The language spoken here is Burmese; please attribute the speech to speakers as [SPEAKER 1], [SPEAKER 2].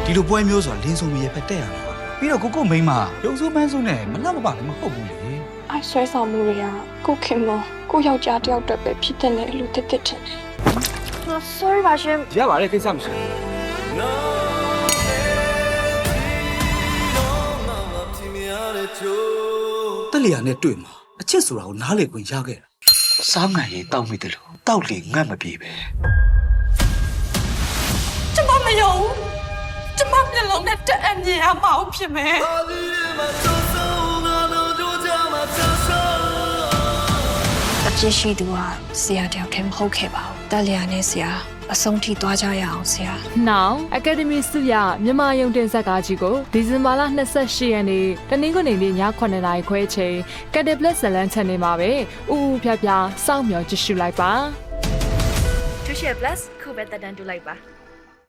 [SPEAKER 1] ဒီလိုပွဲမျိုးဆိုတာလင်းစုံမီရဲ့ဖက်တက်ရမှာပြီးတော့ကိုမိန်းမရုပ်ဆိုးပန်းဆိုးနဲ့မလှမပါလည်းမဟုတ်ဘူးလေ
[SPEAKER 2] အိုက်ဆွဲဆောင်မှုတွေကကိုခင်မကိုယောက်ျားတယောက်တည်းပဲဖြစ်တဲ့လေလို့တက်တက်ထင်တယ် sorry ပါရှင်
[SPEAKER 1] ရပါတယ်ကိစ္စမရှိတက်လျာနဲ့တွေ့မှာအချစ်ဆိုတာကိုနားလေခွင့်ရခဲ့တာစားငံရင်တောက်မိတယ်လို့တောက်လေငတ်မပြေပဲ
[SPEAKER 2] ကျမမယုံကျမမျက်လုံးနဲ့တက်အမြင်အမအောင်ဖြစ်မယ်အပြစ်ရှိသူဟာဆရာတယောက်တည်းမဟုတ်ခဲ့ပါဘူးတက်လျာနဲ့ဆရာအဆုံးထိသွားကြရအောင်ဆရာ
[SPEAKER 3] Now Academy စုရမြန်မာရုံတင်ဇာတ်ကားကြီးကိုဒီဇင်ဘာလ28ရက်နေ့တနင်္ဂနွေနေ့ည9:00နာရီခွဲချိန် Cathay Plus ဇလန်း channel မှာပဲဥဖြားဖြားစောင့်မျှော်ကြည့်ရှုလိုက်ပါ
[SPEAKER 4] To share plus ခုပဲတက်တန်းတူလိုက်ပါ